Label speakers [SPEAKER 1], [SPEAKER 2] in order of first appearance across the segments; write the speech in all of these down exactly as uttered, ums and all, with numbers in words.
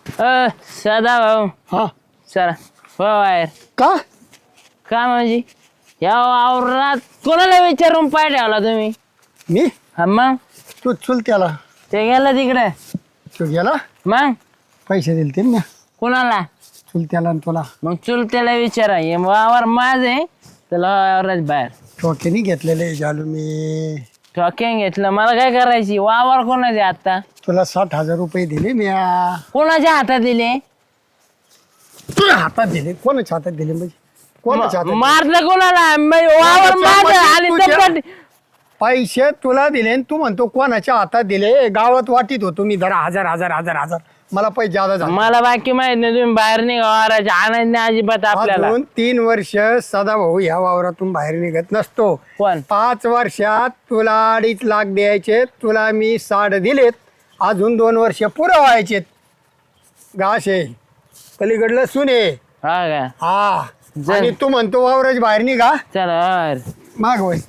[SPEAKER 1] अ सदा भाऊ
[SPEAKER 2] हा
[SPEAKER 1] चला हो बाहेर
[SPEAKER 2] का
[SPEAKER 1] का म्हणजे या वावरात कोणाला विचारून पाय ठेवला तुम्ही
[SPEAKER 2] मी
[SPEAKER 1] हा मग
[SPEAKER 2] तू चुल त्याला
[SPEAKER 1] ते गेलं तिकडे
[SPEAKER 2] तू गेला
[SPEAKER 1] मग
[SPEAKER 2] पैसे दिले ते ना
[SPEAKER 1] कोणाला
[SPEAKER 2] चुल त्याला आणि तुला
[SPEAKER 1] मग चुलत्याला विचारा हे वावर माझ आहे त्याला वावरात बाहेर
[SPEAKER 2] टोकेनी घेतलेले जालू मी
[SPEAKER 1] ठोक्यान घेतलं मला काय करायची वावर कोणाचे आता
[SPEAKER 2] तुला साठ हजार रुपये दिले मी
[SPEAKER 1] कोणाच्या हातात दिले
[SPEAKER 2] तुला हातात दिले कोणाच्या हातात दिले म्हणजे कोणाच्या हातात दिले?
[SPEAKER 1] मारलं कोणाला म्हणजे वावर माझ आणि
[SPEAKER 2] तुझ्या-
[SPEAKER 1] दप्पट
[SPEAKER 2] पैसे तुला दिले आणि तू म्हणतो कोणाच्या हातात दिले गावात वाटीत होतो मी जरा हजार हजार हजार हजार मला पैसे ज्यादा झाले
[SPEAKER 1] मला बाकी माहित नाही तुम्ही बाहेर निघा वावराच्या आनंद नाही अजिबात आपल्याला
[SPEAKER 2] अजून तीन वर्ष सदाभाऊ ह्या वावरातून बाहेर निघत नसतो
[SPEAKER 1] कोण
[SPEAKER 2] पाच वर्षात तुला अडीच लाख द्यायचे तुला मी साठ दिलेत अजून दोन वर्ष पुरं व्हायचे गाशे पलीकडलं सुने
[SPEAKER 1] हा का
[SPEAKER 2] हा
[SPEAKER 1] जर-
[SPEAKER 2] आणि तू म्हणतो वावराच्या बाहेर निघा
[SPEAKER 1] चला बाहेर
[SPEAKER 2] माग वय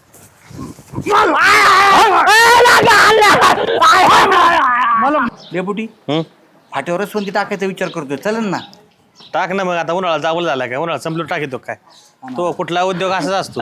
[SPEAKER 2] मला
[SPEAKER 3] डेपुटी फाट्यावरच सोनती टाकायचा विचार करतोय चलन ना
[SPEAKER 4] टाक ना मग आता उन्हाळा जावं झाला काय उन्हाळा संपलो टाकीतो काय तो कुठला उद्योग असाच असतो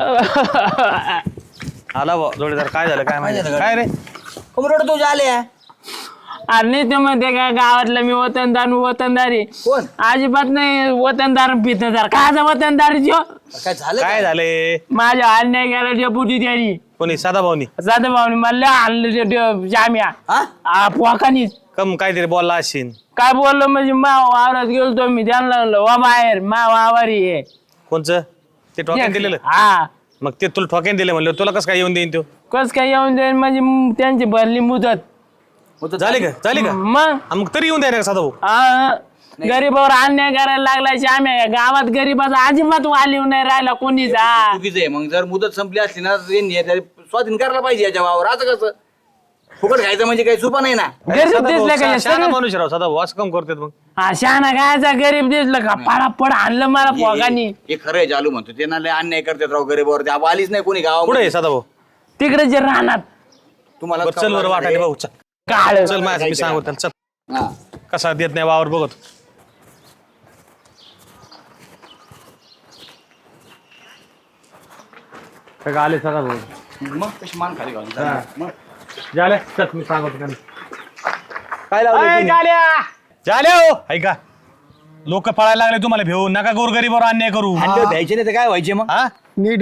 [SPEAKER 4] आला बा जोडीदार काय झालं काय माहिती काय रे
[SPEAKER 3] कमरोड तुझ्या आल्या
[SPEAKER 1] अरे नाही तर म्हणते का गावातलं मी वतनदार मी वतनदारी
[SPEAKER 3] कोण
[SPEAKER 1] अजिबात नाही वतनदार पितदार कायचा वतनदार जो
[SPEAKER 3] काय झालं
[SPEAKER 4] काय झाले
[SPEAKER 1] माझ्या अन्याय केला डेपुटी त्यांनी
[SPEAKER 4] कोणी साधा भाऊनी
[SPEAKER 1] जाता भाऊनी मला आणलं जाम्या
[SPEAKER 3] हा
[SPEAKER 1] पोकानीच
[SPEAKER 4] कम काहीतरी बोलला असेल
[SPEAKER 1] काय बोललो म्हणजे मा वावरात गेलतो मी त्यांना म्हणलं वा बाहेर मा वावारी आहे
[SPEAKER 4] कोणचं ते ठोक्यान दिलेलं
[SPEAKER 1] हा
[SPEAKER 4] मग ते तुला ठोक्यान दिले म्हणलं तुला कसं काय येऊन देईन तो
[SPEAKER 1] कस काय येऊन जाईल म्हणजे म- त्यांची भरली मुदत
[SPEAKER 4] झाली का झाली का
[SPEAKER 1] मग
[SPEAKER 4] हा, मग तरी येऊन द्या ना साधा भाऊ
[SPEAKER 1] हा, गरीबावर अन्याय करायला लागला आम्ही गावात गरीबाचा अजिबात वालीव नाही राहिला कोणीच हा.
[SPEAKER 3] चुकीचं आहे मग जर मुदत संपली असली ना यांनी याच्या स्वाधीन करायला पाहिजे याच्या वावर असं कसं फुकट खायचं म्हणजे काही सोपं नाही ना
[SPEAKER 1] गरीब
[SPEAKER 4] साधा भाऊ,
[SPEAKER 1] दिसलं का
[SPEAKER 4] शा- शहाणा
[SPEAKER 1] सगळं-
[SPEAKER 4] माणूस राव साधा भाऊ असं कम करतात मग
[SPEAKER 1] हा शहाणा गायचा गरीब दिसलं का पडापड आणलं मला पोगानी
[SPEAKER 3] हे खरं आहे चालू म्हणतो त्यांना लय अन्याय करतात राव गरीबावर ते आलीच नाही कोणी
[SPEAKER 4] पुढे
[SPEAKER 3] गावामध्ये
[SPEAKER 4] आहे साधा भाऊ
[SPEAKER 1] तिकडे जे राहणार
[SPEAKER 3] तुम्हाला
[SPEAKER 4] बरं, चल बरं वाटायला भाऊ चल
[SPEAKER 1] काळ
[SPEAKER 4] चल माझ्या मी सांगू त्याला चल
[SPEAKER 3] हा.
[SPEAKER 4] कसा देत नाही वावर बघत सगळं आले सगळं भाऊ
[SPEAKER 3] मग कशी मान खाली घालून चालणार? मग
[SPEAKER 4] झाले चल मी सांगतो त्यांना
[SPEAKER 3] काय लावलंय
[SPEAKER 4] अय,
[SPEAKER 3] तुम्ही?
[SPEAKER 4] झाल्या झाल्या हो ऐका लोक पळायला लागले तुम्हाला भेऊ नका गोरगरीबावर अन्याय करू
[SPEAKER 3] अंडे द्यायचे नाही तर काय व्हायचे मग
[SPEAKER 4] हा
[SPEAKER 2] नीट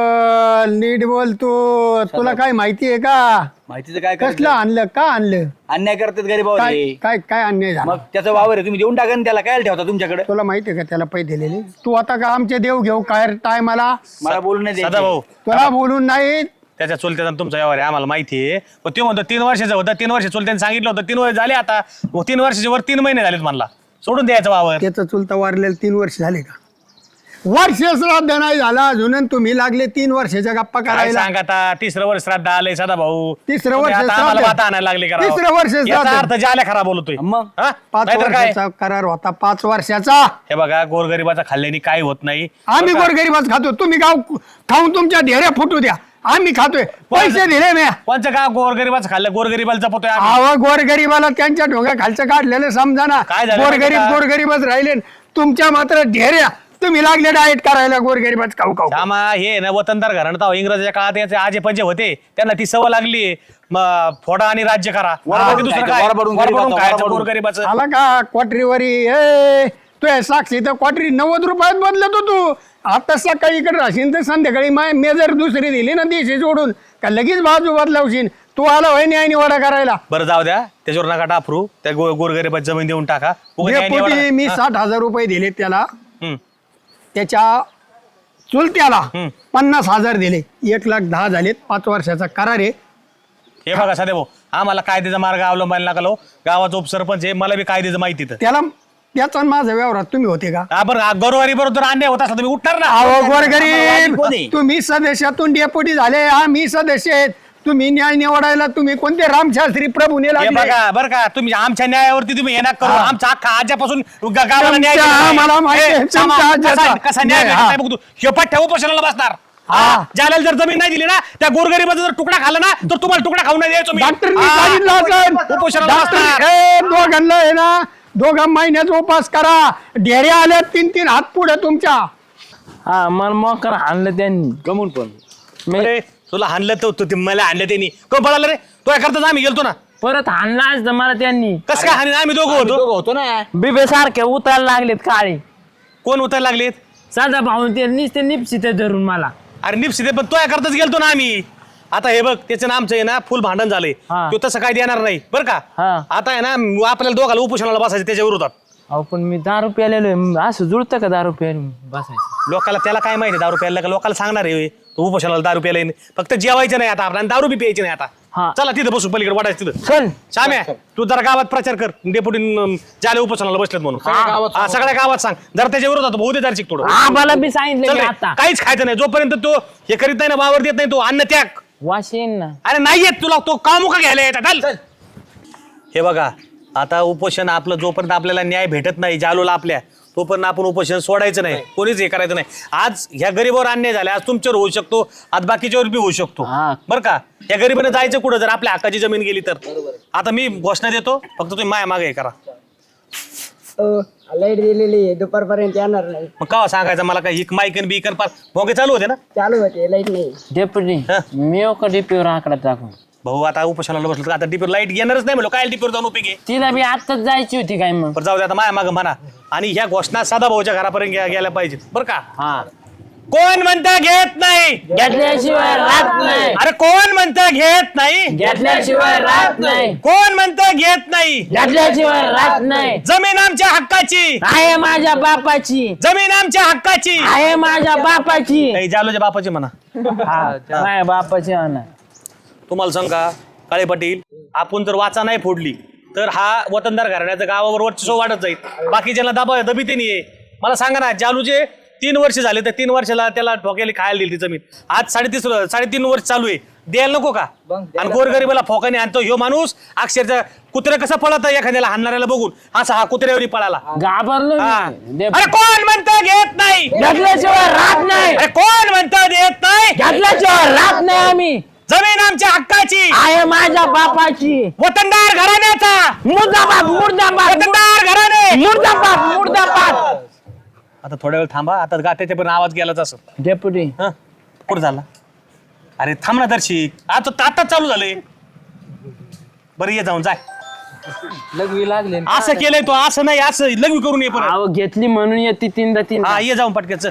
[SPEAKER 2] बोल नीट बोल तू तुला काय माहिती आहे का
[SPEAKER 3] माहितीचं काय
[SPEAKER 2] कसलं
[SPEAKER 3] करायचं?
[SPEAKER 2] आणलं का आणलं
[SPEAKER 3] अन्याय करतात गरीबावर
[SPEAKER 2] काय
[SPEAKER 3] हे.
[SPEAKER 2] काय काय अन्याय झाला
[SPEAKER 3] मग त्याचं वावर आहे तुम्ही देऊन टाका ना त्याला काय ठेवता तुमच्याकडे
[SPEAKER 2] तुला माहिती आहे का त्याला पैसे दिलेले तू आता का आमचे देव घेऊ काय टायमाला
[SPEAKER 3] मला बोलून नाही
[SPEAKER 4] सदा
[SPEAKER 3] द्यायचं.
[SPEAKER 4] भाऊ
[SPEAKER 2] तुला बोलून नाही
[SPEAKER 4] त्याच्या चुलत्याचा तुमचा व्यवहार आहे आम्हाला माहिती आहे पण ते म्हणतो तीन वर्षाचं होतं तीन वर्ष चुलत्याने सांगितलं होतं तीन वर्ष झाले आता मग तीन वर्षाच्या वर तीन महिने झालेत म्हणला सोडून द्यायचं वावर
[SPEAKER 2] त्याचं चुलता वारलेलं तीन वर्ष झाले का वर्ष श्राद्ध नाही झाला अजून आणि तुम्ही लागले तीन वर्षाच्या गप्पा
[SPEAKER 4] काय
[SPEAKER 2] करायला
[SPEAKER 4] सांग आता तिसरं वर्ष श्राद्ध आलंय सदा भाऊ
[SPEAKER 2] तिसरं
[SPEAKER 4] तुम्ही
[SPEAKER 2] वर्ष
[SPEAKER 4] आता आम्हाला
[SPEAKER 2] श्राद्ध.
[SPEAKER 4] वाता आणायला लागले का राव?
[SPEAKER 2] तिसरं वर्ष श्राद्ध.
[SPEAKER 4] याचा अर्थ जाल्या खरा बोलतोय
[SPEAKER 3] मग?
[SPEAKER 4] हा?
[SPEAKER 2] पाच
[SPEAKER 4] नाहीतर काय
[SPEAKER 2] वर्षाचा करार होता पाच वर्षाचा
[SPEAKER 4] हे बघा गोरगरिबाचा खाल्ल्याने काय होत नाही
[SPEAKER 2] आम्ही गोरगरीबाच खातो तुम्ही गाव खाऊन तुमच्या ढेऱ्या फुटू द्या आम्ही खातोय पैसे दिले मी
[SPEAKER 4] कोणचं का गोरगरिबाचं खाल्लं गोरगरिबाला जपतोय आम्ही.
[SPEAKER 2] आवा गोरगरीबाला त्यांच्या डोक्या खालचं काढलेलं समजा ना
[SPEAKER 4] काय झालं माहिती
[SPEAKER 2] गोरगरीब
[SPEAKER 4] का?
[SPEAKER 2] गोरगरीबच राहिले तुमच्या मात्र ढेऱ्या तुम्ही लागले डाएट करायला गोरगरीबाच खाऊ खाऊ
[SPEAKER 4] श्यामा हे ना वतनदार घराणं इंग्रजाच्या काळात याचे आजे पंजे होते त्यांना ती सवय लागली मग फोडा आणि राज्य करा बाकी दुसरं काय?
[SPEAKER 3] वरबडून
[SPEAKER 4] वरबडून
[SPEAKER 3] गरीबाचं,
[SPEAKER 4] खायचं
[SPEAKER 3] वरबडून.
[SPEAKER 4] गोरगरिबाचं
[SPEAKER 2] आला का क्वाटरीवरी ए तू हे साक्षी तर क्वाटरी नव्वद रुपयात बदलत तू आता सकाळी इकडे राहशील तर संध्याकाळी माय मेजर दुसरी दिली ना देशी जोडून का लगेच बाजू बदलावशील तू आला होय न्याय निवाडा करायला
[SPEAKER 4] बरं जाऊ द्या त्याच्यावर नका टाफरू त्या गो गोरगरिबाची जमीन देऊन टाका उगाच न्याय
[SPEAKER 2] डेपुटी
[SPEAKER 4] निवाडा.
[SPEAKER 2] मी
[SPEAKER 4] हा.
[SPEAKER 2] साठ हजार रुपये दिले त्याला
[SPEAKER 4] हम्म.
[SPEAKER 2] त्याच्या चुलत्याला
[SPEAKER 4] हम्म.
[SPEAKER 2] पन्नास हजार दिले एक लाख दहा झालेत पाच वर्षाचा करार आहे
[SPEAKER 4] हे बघा सध्या भाऊ आम्हाला कायद्याचा मार्ग अवलंबायला लागलो गावाचा उपसरपंच आहे मला बी कायद्याचं माहिती तर
[SPEAKER 2] त्याला त्याचा आणि माझा व्यवहारात तुम्ही होते का
[SPEAKER 4] हा बरं गरोवारी बरोबर अन्याय होत असला तुम्ही उठणार ना
[SPEAKER 2] अहो गोरगरीब
[SPEAKER 3] कोण आहे?
[SPEAKER 2] तुम्ही सदस्यातून डेपुटी झाले हा मी सदस्य आहेत तुम्ही न्याय निवडायला तुम्ही कोणते रामशास्त्री प्रभूने
[SPEAKER 4] हे
[SPEAKER 2] लागले
[SPEAKER 4] बघा बरं का तुम्ही आमच्या न्यायावरती तुम्ही हे ना करू आमचा अख्खा आज्यापासून ग- गावाला न्याय
[SPEAKER 2] तुमच्या-
[SPEAKER 4] दिला नाही.
[SPEAKER 2] मला माहिती आहे,
[SPEAKER 4] हे, सामा,
[SPEAKER 2] तुमच्या
[SPEAKER 4] कसा-
[SPEAKER 2] आज्याचा.
[SPEAKER 4] कसा न्याय
[SPEAKER 2] नाही,
[SPEAKER 4] भेटत
[SPEAKER 2] हा.
[SPEAKER 4] नाही बघ तू हे पट्ट्या उपोषणाला बसणार
[SPEAKER 2] हा.
[SPEAKER 4] ज्याला जर जमीन नाही दिली ना त्या गोरगरीबाचा जर तुकडा खाल्ला ना तर तुम्हाला तुकडा खाऊ नाही द्यायचो मी.
[SPEAKER 2] डॉक्टरनी
[SPEAKER 4] हा.
[SPEAKER 2] सांगितलं असेल
[SPEAKER 4] उपोषणाला
[SPEAKER 2] डॉक्टर
[SPEAKER 4] बसणार
[SPEAKER 2] हे दोघांना आहे ना दोघा महिन्याचा उपास करा. ढेऱ्या आल्या तीन तीन हात पुढे तुमच्या.
[SPEAKER 1] हा मला मोकर आणलं त्यांनी
[SPEAKER 3] गमून पण
[SPEAKER 1] मी
[SPEAKER 4] अरे तुला हाणलं तर तू ते मला हाणलं त्यांनी कोण पळालं रे तो करताच आम्ही गेलतो ना.
[SPEAKER 1] परत हाणला असतं मला त्यांनी.
[SPEAKER 4] कसं काय हाणी आम्ही दोघं होतो.
[SPEAKER 3] दोघं होतो ना.
[SPEAKER 1] बिबे सारखे उतरायला लागलेत काळे.
[SPEAKER 4] कोण उतरायला लागलेत.
[SPEAKER 1] साधा भाऊन ते निसते निपसित धरून मला.
[SPEAKER 4] अरे निपसिते पण तो करताच गेलतो ना आम्ही. आता हे बघ त्याचं ना आमचं आहे ना फुल भांडण झालंय.
[SPEAKER 1] हा.
[SPEAKER 4] तो तसं काय देणार नाही बरं का.
[SPEAKER 1] हा.
[SPEAKER 4] आता आहे ना आपल्याला दोघाला उपोषणाला बसायचं त्याच्या विरोधात.
[SPEAKER 1] अहो पण मी दारू प्यालेलो आहे. असं जुळतं का दारू प्यायला बसायचं.
[SPEAKER 4] लोकाला त्याला काय माहिती दारू प्यायला का लोकाला सांगणार आहे तो उपोषणाला दारू प्यायला येईन. फक्त जेवायचं नाही आता आपल्याला दारू बी प्यायची नाही
[SPEAKER 1] हा.
[SPEAKER 4] आता. चला तिथं बसू पलीकडे वाटायचं तिथं.
[SPEAKER 1] चल
[SPEAKER 4] श्याम्या तू जरा गावात प्रचार कर डेप्युटी ज्याला उपोषणाला बसलेत म्हणून.
[SPEAKER 3] गावात
[SPEAKER 4] हा, सगळ्या गावात सांग जरा त्याच्या विरोधात भाऊ दे जरा थोडं.
[SPEAKER 1] आम्हाला बी सांगितलं
[SPEAKER 4] चल
[SPEAKER 1] मी
[SPEAKER 4] रे,
[SPEAKER 1] आता.
[SPEAKER 4] काहीच खायचं नाही जोपर्यंत तो हे करीत नाही ना वावर देत नाही तो अन्न त्याग.
[SPEAKER 1] वाश येईन ना.
[SPEAKER 4] अरे नाही येत तुला तो कामुका घ्यायला येतात. चल हे बघा आता उपोषण आपलं जोपर्यंत आपल्याला न्याय भेटत नाही जालूला आपल्या तोपर्यंत आपण उपोषण सोडायचं नाही. कोणीच हे करायचं नाही. आज ह्या गरीबावर अन्याय झाला आज तुमच्यावर होऊ शकतो आज बाकीच्यावर बी होऊ शकतो
[SPEAKER 1] हा.
[SPEAKER 4] बरं का. या गरीबाने जायचं कुठं जर आपल्या हक्काची जमीन गेली तर. आता मी घोषणा देतो फक्त तुम्ही माया मागे हे करा.
[SPEAKER 5] लाईट दिलेली आहे दुपारपर्यंत येणार नाही.
[SPEAKER 4] मग का सांगायचं मला काय हिक मायकन बीकन पार भोंगे चालू होते ना.
[SPEAKER 5] चालू होते लाईट नाही.
[SPEAKER 1] डेप्युटी मी का डीपीवर आकडा टाकून.
[SPEAKER 4] भाऊ आता उपोषणाला बसलो तर आता डीपीवर लाईट येणारच नाही म्हणलो काय डीपीवर जाऊन उपयोगी.
[SPEAKER 1] तिला बी आत्ताच जायची होती काय मग.
[SPEAKER 4] बरं जाऊ दे आता माया मागं म्हणा. आणि ह्या घोषणा साधा भाऊच्या घरापर्यंत गे- गेल्या पाहिजेत बरं का.
[SPEAKER 1] हा
[SPEAKER 4] कोण म्हणता घेत नाही.
[SPEAKER 1] घेतल्याशिवाय राहत नाही.
[SPEAKER 4] अरे कोण म्हणता घेत नाही.
[SPEAKER 1] घेतल्याशिवाय राहत नाही.
[SPEAKER 4] कोण म्हणता घेत नाही.
[SPEAKER 1] घेतल्याशिवाय राहत नाही.
[SPEAKER 4] जमीन आमच्या हक्काची.
[SPEAKER 1] आहे माझ्या बापाची.
[SPEAKER 4] जमीन आमच्या हक्काची.
[SPEAKER 1] आहे माझ्या बापाची.
[SPEAKER 4] नाही जालोच्या बापाची म्हणा.
[SPEAKER 1] हा माझ्या बापाची आणा.
[SPEAKER 4] तुम्हाला सांगा काळे पाटील आपण जर वाचा नाही फोडली तर हा वतनदार घराण्याचं गावावर वर्चस्व वाढत जाईल. बाकीच्याला दाबा दबिते नाहीये. मला सांगा ना जालूचे तीन वर्ष झाले तर तीन वर्षाला त्याला ठोक्याला खायला दिली ती जमीन. आज साडेतीस साडेतीन वर्ष चालू आहे द्यायला नको का. आणि गोरगरीबाला फोकाने आणतो ह्यो माणूस अक्षरशः कुत्र्या कसं पळत एखाद्याला हाणणाऱ्याला बघून असा हा कुत्र्यावरी पळाला.
[SPEAKER 1] घाबरलो
[SPEAKER 4] हा.
[SPEAKER 1] मी.
[SPEAKER 4] अरे कोण म्हणता घेत नाही.
[SPEAKER 1] घेतल्याशिवाय राहत नाही.
[SPEAKER 4] अरे कोण म्हणता देत नाही.
[SPEAKER 1] घेतल्याशिवाय राहत नाही आम्ही.
[SPEAKER 4] जमीन आमच्या हक्काची.
[SPEAKER 1] आहे माझ्या बापाची.
[SPEAKER 4] वतनदार घराण्याचा.
[SPEAKER 1] मुर्दाबाद मुर्दाबाद
[SPEAKER 4] वतनदार घराणे.
[SPEAKER 1] मुर्दाबाद मुर्दाबाद.
[SPEAKER 4] आता थोड्या वेळ थांबा आता गाठ्याच्या पण आवाज गेलाच असं.
[SPEAKER 1] डेप्युटी
[SPEAKER 4] हं? कुठं झाला. अरे थांब ना दर्शिक आता आता चालू झालंय. बरं ये जाऊन जाय.
[SPEAKER 1] लघवी लागले.
[SPEAKER 4] असं केलंय तो असं नाही असं लग्न करून ये परत.
[SPEAKER 1] अहो घेतली म्हणून येते तीनदा तीन.
[SPEAKER 4] हा ये जाऊन पटक्याच.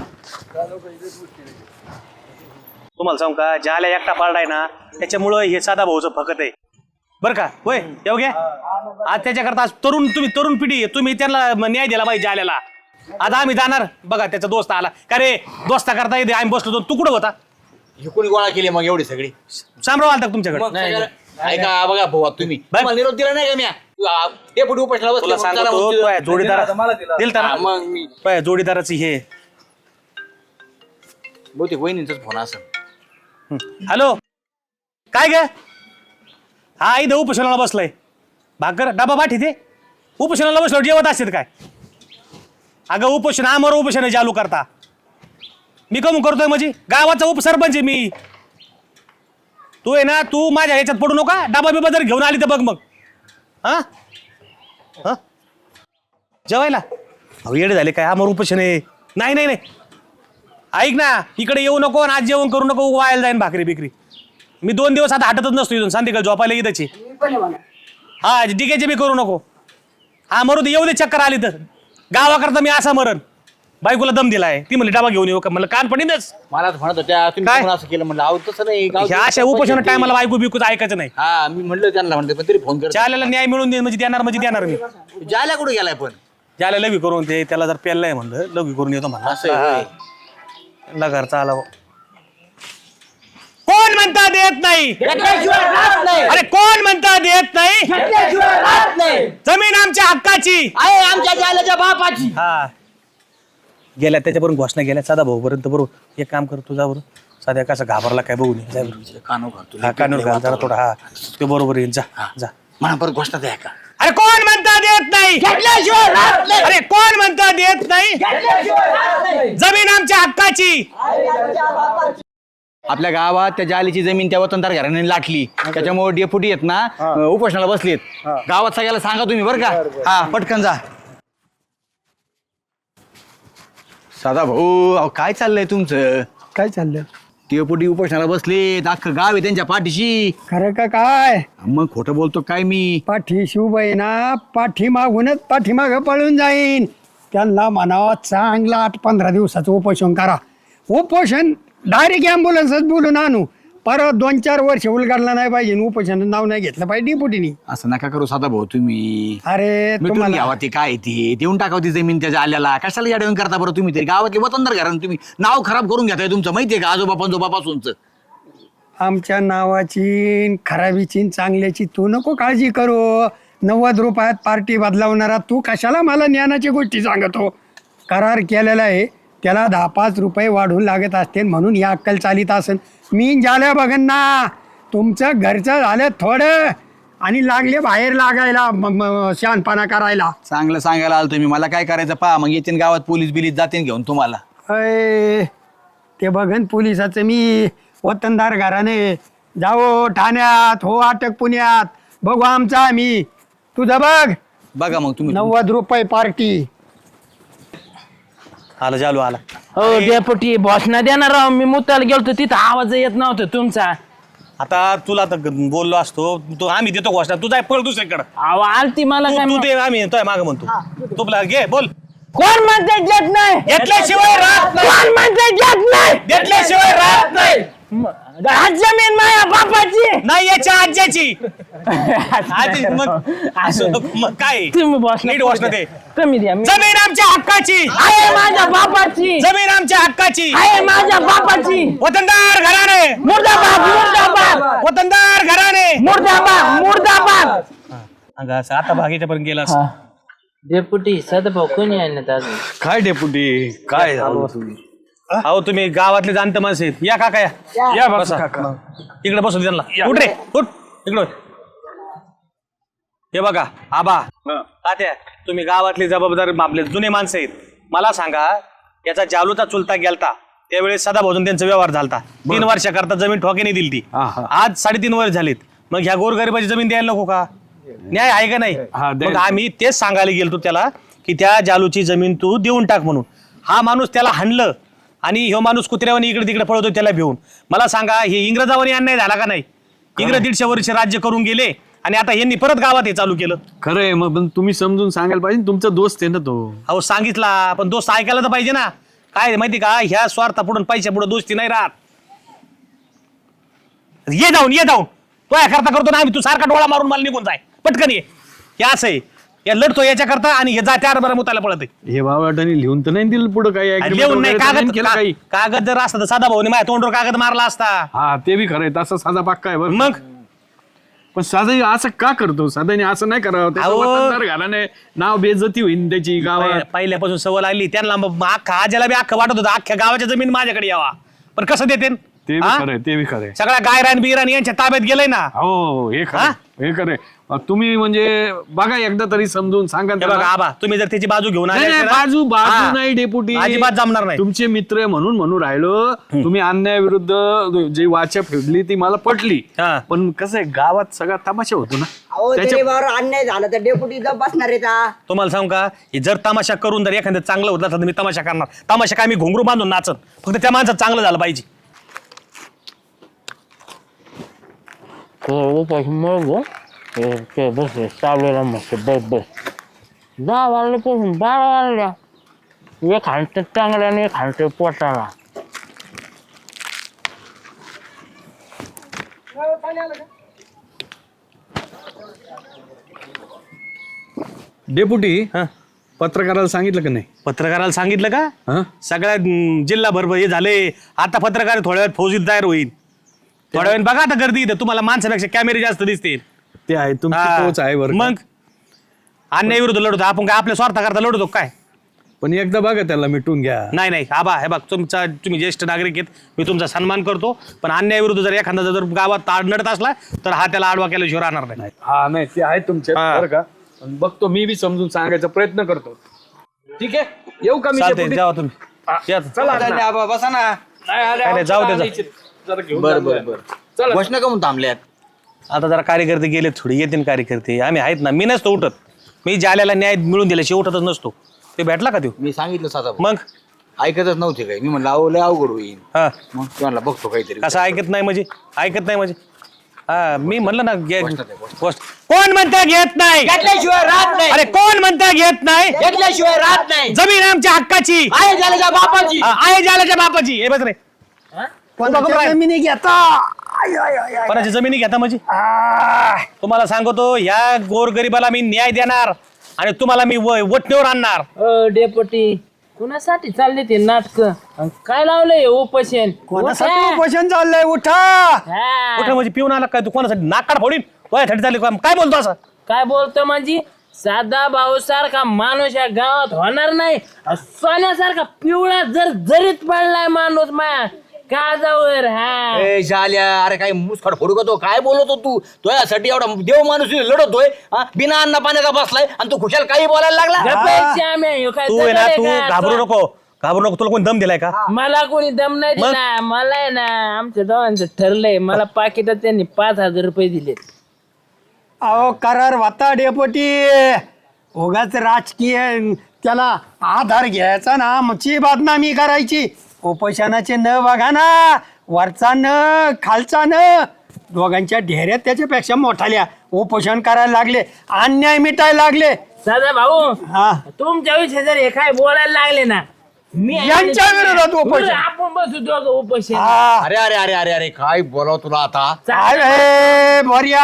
[SPEAKER 4] तुम्हाला सांगू का ज्याला एकटा पाळलाय ना त्याच्यामुळं हे साधा भाऊचं फकत आहे बरं का. होय येऊ घ्या आज त्याच्याकरता आज तरुण तुम्ही तरुण पिढी आहे, तुम्ही त्यांना न्याय दिला पाहिजे आल्याला. आता आम्ही जाणार बघा त्याचा दोस्त आला का रे दोस्ता करता येते आम्ही बसलो होतो. तू कुठं होता.
[SPEAKER 3] ही कोणी गोळा केली मग एवढी सगळी.
[SPEAKER 4] शामराव आलता का तुमच्याकडे.
[SPEAKER 3] मग सगळं- ऐका बघा भाऊ आता तुम्ही
[SPEAKER 4] बरं.
[SPEAKER 3] तुम्हाला निरोप दिला नाही का म्या. हे पुढे उपासला
[SPEAKER 4] तुला सांगतो जोडीदार दिल तर
[SPEAKER 3] मग मी
[SPEAKER 4] पाय जोडीदाराची हे.
[SPEAKER 3] बहुतेक वहिनींचाच फोन असं.
[SPEAKER 4] हॅलो काय ग. हा इथं उपोषणाला बसलाय भाकर डबा पाठी ते उपोषणाला बसलो जेवत असतात काय. अगं उपोषण आमर उपोषण चालू करता मी कमू करतोय म्हणजे गावाचा उपसरपंच आहे मी. तू आहे ना तू माझ्या ह्याच्यात पडू नका. डबा बिबा जर घेऊन आली तर बघ मग. हा हा जेवायला अहो येडे झाले काय आमर उपोषण आहे. नाही नाही नाही ऐक ना इकडे येऊ नको आज जेवण करू नको वायाला जाईन भाकरी बिकरी. मी दोन दिवस आता हटतच नसतो इथून संध्याकाळी झोपायला येताची. हा डिकेचे बी करू नको. हा मरू दे येऊ दे चक्कर आली तर गावाकरता मी असा मरण. बायकोला दम दिलाय ती म्हणली डबा घेऊन येऊ का म्हणलं कान पडीनच.
[SPEAKER 3] मला म्हणत होत्या तुम्ही
[SPEAKER 4] काय?
[SPEAKER 3] कोण असं केलं म्हणलं अहो तसं नाही गाव-
[SPEAKER 4] ह्या अशा उपोषण टायमाला बायको बिकूच ऐकायचं नाही.
[SPEAKER 3] हा मी म्हणलं त्यांना म्हणलं पण तरी फोन कर.
[SPEAKER 4] ज्याला न्याय मिळून दे म्हणजे देणार म्हणजे देणार मी.
[SPEAKER 3] जायला कुठे गेलाय पण
[SPEAKER 4] ज्याला लघवी करून ते त्याला जर पेललाय म्हणलं लघवी करून येतो
[SPEAKER 3] असं आहे होय.
[SPEAKER 4] म्हणलं घरचा आला. कोण म्हणता देत नाही. अरे कोण म्हणता देत नाही. जमीन आमच्या हक्काची.
[SPEAKER 5] आहे आमच्या जाल्याच्या बापाची.
[SPEAKER 4] हा गेल्या त्याच्यापर्यंत घोषणा गेल्या साधा भाऊ पर्यंत बरोबर एक काम कर तुझा बरोबर साध्या कसं घाबरला काय बघून ये. जा बरोबर.
[SPEAKER 3] कानो घालतो
[SPEAKER 4] हा कानूर घाल जरा थोडा हा ते बरोबर येईल जा जा.
[SPEAKER 3] मला परत घोषणा द्या का.
[SPEAKER 4] अरे कोण म्हणता देत नाही. अरे कोण म्हणता देत नाही. जमीन आमच्या हक्काची.
[SPEAKER 3] आपल्या गावात त्या जालीची जमीन त्या वतनदार घराण्याने लाटली त्याच्यामुळे डेपुटी आहेत ना अं, उपोषणाला बसलेत गावात सगळ्याला सांगा तुम्ही बरं का हा पटकन जा. साधा भाऊ अहो काय चाललंय तुमचं?
[SPEAKER 2] काय चाललं?
[SPEAKER 3] डेपुटी उपोषणाला बसलेत अख्खं गाव आहे त्यांच्या पाठीशी.
[SPEAKER 2] खरं का काय?
[SPEAKER 3] मग खोटं बोलतो काय मी?
[SPEAKER 2] पाठी शिवबाई ना पाठी मागूनच पाठीमाग पळून जाईन. त्यांना म्हणावं चांगलं आठ पंधरा दिवसाचं उपोषण करा. उपोषण डायरेक्ट ॲम्ब्युलन्सच बोलून आणू. परत दोन चार वर्ष उलगडला नाही पाहिजे. उपोषणाचं नाव नाही घेतलं पाहिजे डिपुटीनी.
[SPEAKER 3] असं नका करू साधा भाऊ तुम्ही.
[SPEAKER 2] अरे
[SPEAKER 3] मिटून
[SPEAKER 2] तुम्हाला
[SPEAKER 3] घ्यावा ते काय ते देऊन टाकावं ती जमीन त्याच्या आल्याला. कशाला या देऊन करता बरं तुम्ही? तरी गावातले वतनदार घरानं तुम्ही नाव खराब करून घेताय तुमचं माहितीये का आजोबा पंजोबापासूनच.
[SPEAKER 2] आमच्या नावाची खराबीची चांगल्याची तू नको काळजी करू. नव्वद रुपयात पार्टी बदलावणारा तू कशाला मला ज्ञानाची गोष्टी सांगतो? करार केलेला आहे त्याला दहा पाच रुपये वाढून लागत असते म्हणून ही अक्कल चालित असेल. मी झाल्या बघन ना तुमचं घरचं झालं थोडं आणि लागले बाहेर लागायला म- म- शहाणपणा करायला.
[SPEAKER 3] चांगलं सांगायला आलो तुम्ही. मला काय करायचं पहा मग येते गावात पोलीस बिलीस जाते घेऊन तुम्हाला.
[SPEAKER 2] अय ते बघन पोलिसाचं मी वतनदार घराने जाओ ठाण्यात हो अटक पुण्यात बघू आमचा आम्ही. तुझं बघ
[SPEAKER 3] बघा मग तुम्ही.
[SPEAKER 2] नव्वद रुपये पार्टी.
[SPEAKER 4] आला जालू आला.
[SPEAKER 1] हो डेपुटी बॉसना देणार राव. मी मुताला गेलतो तिथं आवाज येत नव्हता तुमचा.
[SPEAKER 4] आता तुला तर बोललो असतो तू आम्ही देतो घोषणा तू जाय पळ दुसरीकडे.
[SPEAKER 1] आव आलती मला काय
[SPEAKER 4] तू
[SPEAKER 1] मग.
[SPEAKER 4] दे आम्ही येतोय माग म्हणतो तुला घे बोल.
[SPEAKER 1] कोण म्हणते घेत नाही?
[SPEAKER 4] घेतल्याशिवाय राहत नाही.
[SPEAKER 1] कोण म्हणते घेत नाही?
[SPEAKER 4] घेतल्याशिवाय राहत नाही.
[SPEAKER 1] आज जमीन माझ्या बापाची.
[SPEAKER 4] नाही याच्या आज्याची. आजी मग असं मग काय
[SPEAKER 1] तुम्ही बॉस
[SPEAKER 4] नीट घोषणा दे.
[SPEAKER 1] कमी द्या. मी-
[SPEAKER 4] जमीन आमच्या हक्काची.
[SPEAKER 1] आहे माझ्या बापाची.
[SPEAKER 4] जमीन आमच्या हक्काची.
[SPEAKER 1] आहे माझ्या बापाची.
[SPEAKER 4] वतनदार घराणे.
[SPEAKER 1] मुर्दाबाद मुर्दाबाद
[SPEAKER 4] वतनदार घराणे.
[SPEAKER 1] मुर्दाबाद मुर्दाबाद.
[SPEAKER 4] अगं असं आता भागीच्या पर्यंत गेला असं.
[SPEAKER 1] डेपुटी सदाभाऊ कोणी आहे ना अजून?
[SPEAKER 6] काय डेपुटी काय झालं?
[SPEAKER 4] अहो तुम्ही गावातले जाणते माणसं आहेत. या काका या या बसा इकडे बसू दे त्यांना. उठ रे उठ इकडे. हे बघा आबा तात्या तुम्ही गावातले जबाबदार आपले जुने माणसं आहेत. मला सांगा याचा जालूचा चुलता गेलता त्यावेळेस सदाभाऊन त्यांचा व्यवहार झालता. तीन वर्षाकरता जमीन ठोक्याने दिली ती. आज साडेतीन वर्ष झालीत. मग ह्या गोरगरिबाची जमीन द्यायला नको का? न्याय आहे का नाही? मग आम्ही तेच सांगायला गेलतो त्याला की त्या जालूची जमीन तू देऊन टाक म्हणून. हा माणूस त्याला हाणलं आणि ह्यो माणूस कुत्र्यावानी इकडे तिकडे पळवतो त्याला भिवून. मला सांगा हे इंग्रजावानी अन्याय झाला का नाही? इंग्रज दीडशे वर्ष राज्य करून गेले आणि आता यांनी परत गावात हे चालू केलं.
[SPEAKER 6] खरंय मग पण तुम्ही समजून सांगायला पाहिजे तुमचा दोस्त आहे ना तो.
[SPEAKER 4] अहो सांगितला पण दोस्त ऐकायला तर पाहिजे ना. काय माहिती का ह्या स्वार्था पुढून पैशा पुढे दोस्ती नाही राहत. ये जाऊन ये जाऊन तो या करता करतो ना आम्ही. तू सारखा डोळा मारून मला निघून जाय पटकन ये. हे असं आहे या लढतो याच्या करता आणि हे जात्या बरं मुताला पळत आहे.
[SPEAKER 6] हे बाबाटाने लिहून तर नाही दिलं पुढं काही agreement
[SPEAKER 4] लिहून नाही
[SPEAKER 6] वगैरे तर
[SPEAKER 4] कागद
[SPEAKER 6] केलं काही.
[SPEAKER 4] का- कागद जर असता तर साधा भाऊने माझ्या तोंडवर कागद मारला असता.
[SPEAKER 6] हा ते बी खरंय तसा साधा पक्का आहे बरं.
[SPEAKER 4] मग
[SPEAKER 6] पण साधा असं का करतो? साधाने असं नाही करावं. त्याचं
[SPEAKER 4] अहो.
[SPEAKER 6] वतनदार घराने नाव बेइज्जती होईल त्याची गावात.
[SPEAKER 4] पहि- पहिल्यापासून सवय लागली त्यांना मग अख्खा आज्याला बी अख्खं वाटत होतं अख्ख्या गावाच्या जमीन माझ्याकडे यावा. पण कसं देते
[SPEAKER 6] ते बी खरंय ते बी खरंय.
[SPEAKER 4] सगळ्या गायरान बिरान यांच्या ताब्यात गेलंय ना.
[SPEAKER 6] हो हे
[SPEAKER 4] हा?
[SPEAKER 6] खरं हे खरंय. मग तुम्ही म्हणजे बघा एकदा तरी समजून सांगा
[SPEAKER 4] हे
[SPEAKER 6] त्याला.
[SPEAKER 4] बघा आबा तुम्ही जर त्याची बाजू घेऊन आले
[SPEAKER 6] नाही, नाही,
[SPEAKER 4] असते ना-
[SPEAKER 6] बाजू बाजू
[SPEAKER 4] हा.
[SPEAKER 6] नाही डेपुटी.
[SPEAKER 4] अजिबात जमणार नाही.
[SPEAKER 6] तुमचे मित्र आहे म्हणून म्हणून राहिलो. तुम्ही अन्यायाविरुद्ध जी वाचा फेडली ती मला पटली.
[SPEAKER 4] हा.
[SPEAKER 6] पण कसं आहे गावात सगळा तमाशा होतो ना.
[SPEAKER 5] अहो
[SPEAKER 6] त्याच्या-
[SPEAKER 5] गरीबावर अन्याय झाला तर डेपुटी जप बसणार आहे का?
[SPEAKER 4] तुम्हाला सांगू का हे जर तमाशा करून जर एखादं चांगलं होत असलं तर मी तमाशा करणार. तमाशा काय मी घोंगरू बांधून नाचत. फक्त त्या माणसात चांगलं झालं पाहिजे.
[SPEAKER 1] बस चाललेला मस्त बस बस दहा वाजल्यापासून बारा वाजल्या. एक हाणतं चांगल्याने एक हाणतं पोटाला.
[SPEAKER 6] डेपुटी
[SPEAKER 4] हा.
[SPEAKER 6] पत्रकाराला सांगितलं का नाही?
[SPEAKER 4] पत्रकाराला सांगितलं का?
[SPEAKER 6] हा?
[SPEAKER 4] सगळ्या अं, जिल्हाभर हे झाले. आता पत्रकार थोड्या वेळात फौजीत तयार होईल. थोड्या वेळ बघा आता गर्दी इथं तुम्हाला माणसापेक्षा कॅमेरे जास्त दिसतील.
[SPEAKER 6] ते आहे तुमची
[SPEAKER 4] हा.
[SPEAKER 6] तोच आहे बरं का.
[SPEAKER 4] मग अन्याय विरुद्ध लढतो आपण काय आपल्या स्वार्थाकरता लढतो काय?
[SPEAKER 6] पण एकदा बघा त्याला मिटून घ्या.
[SPEAKER 4] नाही नाही आबा हे बघ तुमचा तुम्ही ज्येष्ठ नागरिक आहेत मी तुमचा सन्मान करतो. पण अन्यायाविरुद्ध जर एखादा जर गावात आडनडत असला तर हा त्याला आडवा केल्याशिवाय राहणार नाही.
[SPEAKER 6] हा नाही ते आहे तुमच्या
[SPEAKER 4] हा.
[SPEAKER 6] बरं का. पण बघतो मी बी समजून सांगायचा प्रयत्न करतो. ठीक आहे येऊ का मी
[SPEAKER 4] चालतंय
[SPEAKER 6] डेपुटी?
[SPEAKER 4] जावा तुम्ही या.
[SPEAKER 6] चला
[SPEAKER 3] बसा ना.
[SPEAKER 6] नाही आले,
[SPEAKER 4] काय नाही, जाऊ दे,
[SPEAKER 6] आमच्या
[SPEAKER 4] जा.
[SPEAKER 6] आले. जरा घेऊन
[SPEAKER 3] बरं
[SPEAKER 6] चाललोय.
[SPEAKER 3] बरं बरं घोषणा का म्हणून थांबल्यात?
[SPEAKER 4] आता जरा कार्यकर्ते गेले थोडी येतील कार्यकर्ते आम्ही आहेत ना मी नसतो उठत मी जाल्याला न्याय मिळून दिल्याशी उठतच नसतो ते भेटला का तो
[SPEAKER 3] मी सांगितलं साधा
[SPEAKER 4] मग
[SPEAKER 3] ऐकतच नव्हते काय मी म्हणलं अहो लय अवघड होईल
[SPEAKER 4] हा
[SPEAKER 3] मग तुम्हाला बघतो काहीतरी
[SPEAKER 4] कसं ऐकत नाही म्हणजे ऐकत नाही म्हणजे हा मी म्हणलं ना घे गोष्ट कोण म्हणता घेत नाही
[SPEAKER 5] घेतल्याशिवाय राहत नाही
[SPEAKER 4] अरे कोण म्हणता घेत नाही
[SPEAKER 5] घेतल्याशिवाय राहत नाही
[SPEAKER 4] जमीन आमच्या हक्काची
[SPEAKER 5] आहे झाल्याच्या बापाची
[SPEAKER 4] हा, आहे जाल्याच्या बापाची हे बस रे
[SPEAKER 2] कोणाच्या जमिनी घेता आय, आय, आय, आय.
[SPEAKER 4] कोणाची जमिनी घेता म्हणजे
[SPEAKER 2] आ,
[SPEAKER 4] तुम्हाला सांगतो ह्या गोरगरिबाला मी न्याय देणार आणि तुम्हाला मी व- वटणीवर आणणार
[SPEAKER 7] अ डेपुटी कुणासाठी चालले ते नाटक काय लावलंय उपोषण
[SPEAKER 2] कोणासाठी
[SPEAKER 7] उठा.
[SPEAKER 2] उपोषण चाललंय उठा
[SPEAKER 7] हा.
[SPEAKER 4] कुठे म्हणजे पिऊन आला काय तू कोणासाठी नाकाड फोडीन वयासाठी चालली का? काय बोलतो असं
[SPEAKER 7] काय बोलतो म्हणजे साधा भाऊ सारखा माणूस या गावात होणार नाही सोन्यासारखा पिवळा जर जरीत पडलाय माणूस माया काजावर हा
[SPEAKER 3] ए झाल्या अरे काय मुसखड फोडू का तो काय बोलतो तू तो यासाठी एवढा देव माणूस लढतोय हा? बिना अन्न पाण्याचा बसलाय आणि तू खुशाल काही बोलायला लागला
[SPEAKER 7] गप्पायची आम्ही, ह्यो काय
[SPEAKER 4] तू आहे ना
[SPEAKER 7] जगल
[SPEAKER 4] तू
[SPEAKER 7] आहे का?
[SPEAKER 4] घाबरू नको घाबरू नको तुला कोणी दम दिलाय का
[SPEAKER 7] मला कोणी दम नाही
[SPEAKER 4] मग?
[SPEAKER 7] दिला मला आहे ना आमच्या दोघांचं ठरलंय मला पाकिटात त्यांनी पाच हजार रुपये दिले
[SPEAKER 2] अहो करार वाता डेपोटी उगाच राजकीय त्याला आधार घ्यायचा ना आमची बदनामी करायची उपोषणाचे न बघा ना वरचा न खालचा न दोघांच्या ढेऱ्यात त्याच्यापेक्षा मोठाल्या उपोषण करायला लागले अन्याय मिटायला लागले
[SPEAKER 7] साधा भाऊ
[SPEAKER 2] हा
[SPEAKER 7] तुमच्या विषयी जर हे काय बोलायला लागले ना मी
[SPEAKER 2] यांच्या विरोधात उपोषण.
[SPEAKER 7] बरं, आपण बसू दोघं उपोषण
[SPEAKER 2] हा.
[SPEAKER 3] अरे अरे अरे अरे अरे काय बोलाव तुला आता
[SPEAKER 2] अरे बर्या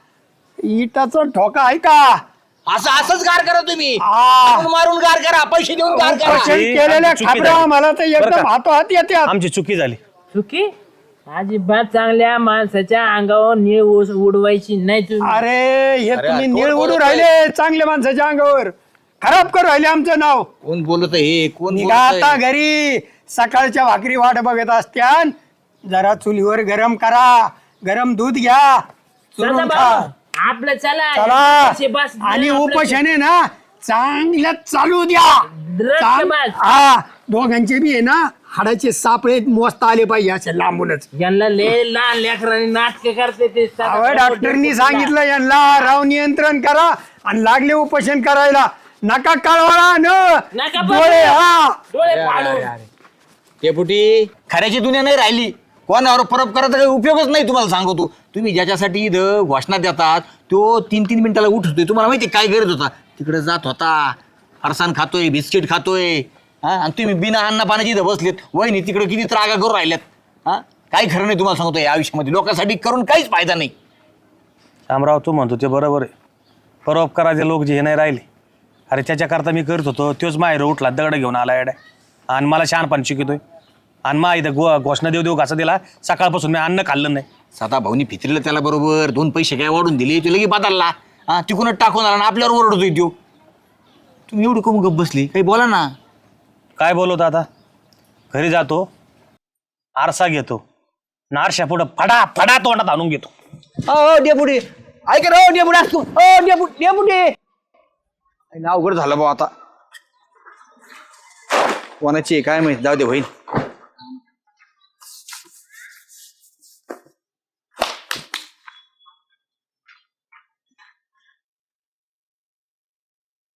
[SPEAKER 2] इटाचा ठोका आहे का
[SPEAKER 3] असं असंच गार करा तुम्ही
[SPEAKER 2] हा.
[SPEAKER 3] आपण मारून गार करा पैसे देऊन गार करा
[SPEAKER 2] उपोषण
[SPEAKER 4] ही
[SPEAKER 2] केलेल्या
[SPEAKER 4] आमची चुकी
[SPEAKER 2] खाबरा
[SPEAKER 4] झाली.
[SPEAKER 2] मला तर
[SPEAKER 4] बरं
[SPEAKER 2] एकदम
[SPEAKER 4] का?
[SPEAKER 2] हातोहात येतात
[SPEAKER 4] आमची चुकी झाली
[SPEAKER 7] चुकी अजिबात चांगल्या माणसाच्या अंगावर निळ ऊस उडवायची नाही तुम्ही
[SPEAKER 2] अरे हे
[SPEAKER 3] अरे,
[SPEAKER 2] तुम्ही
[SPEAKER 3] कोण
[SPEAKER 2] निळ उडू
[SPEAKER 3] बोलतोय?
[SPEAKER 2] राहिले चांगल्या माणसाच्या अंगावर खराब करू राहिले आमचं नाव
[SPEAKER 3] कोण बोलत हे कोण
[SPEAKER 2] निघा आता
[SPEAKER 3] बोलतंय?
[SPEAKER 2] घरी सकाळच्या भाकरी वाट बघत असत्यान जरा चुलीवर गरम करा गरम दूध घ्या
[SPEAKER 7] साधा
[SPEAKER 2] चुरून खा
[SPEAKER 7] भाऊ आपलं चला
[SPEAKER 2] चला
[SPEAKER 7] पैसे बस
[SPEAKER 2] आणि
[SPEAKER 7] आपलं
[SPEAKER 2] उपोषण आहे ना चांगलं चालू द्या
[SPEAKER 7] द्रष्ट
[SPEAKER 2] चांग-
[SPEAKER 7] बस.
[SPEAKER 2] हा दोघांचे बी आहे ना हाडाचे सापळे मोजता आले पाहिजे असे लांबूनच
[SPEAKER 7] यांना लय लहान लेकरांनी नाटक करते ते साधा
[SPEAKER 2] अहो
[SPEAKER 7] भाऊ
[SPEAKER 2] डॉक्टरनी
[SPEAKER 7] डेपुटीला.
[SPEAKER 2] सांगितलं यांना राव नियंत्रण करा आणि लागले उपोषण करायला नका कळवळा
[SPEAKER 7] नका
[SPEAKER 2] न
[SPEAKER 7] बघू.
[SPEAKER 2] डोळे हा
[SPEAKER 7] डोळे फाडून
[SPEAKER 3] डेपुटी खऱ्याची दुनिया नाही राहिली कोणावर परब करायचा काही उपयोगच नाही तुम्हाला सांगतो तुम्ही ज्याच्यासाठी इथं घोषणा देतात तो तीन तीन मिनिटाला उठतोय तुम्हाला माहिती काय गरज होता तिकडे जात होता फरसाण खातोय बिस्किट खातोय हा आणि तुम्ही बिना अन्न पाण्याची इथं बसलेत वहिनी तिकडे किती त्रागा करून राहिल्यात हा काही खरं नाही तुम्हाला सांगतो या आयुष्यामध्ये लोकांसाठी करून काहीच फायदा नाही
[SPEAKER 4] शामराव तू म्हणतो ते बरोबर आहे परोपकाराचे लोक जे हे नाही राहिले अरे त्याच्याकरता मी करत होतो तोच माहेर उठला दगड घेऊन आला एड्या आणि मला शहाणपण शिकतोय आणि मा इथं गो घोषणा देऊ देऊ घासा दिला सकाळपासून मी अन्न खाल्लं नाही
[SPEAKER 3] साधा भाऊनी फितरीला त्याला बरोबर दोन पैसे काय वाढून दिले तो लगे बदलला हा तिकडून टाकून आला आणि आपल्यावर ओरडतोय तो तुम्ही एवढी कमी गप बसली काही बोला ना
[SPEAKER 4] काय बोलवतो आता घरी जातो आरसा घेतो नारशा पुढं फडा फडा तोंडात आणून घेतो
[SPEAKER 3] ओ डेपुटी ऐक रे ओ डेपुटी असतो ओ डेपुटी डेपुटी अवघड झालं भाऊ आता कोणाची आहे काय माहिती जाऊ दे होईल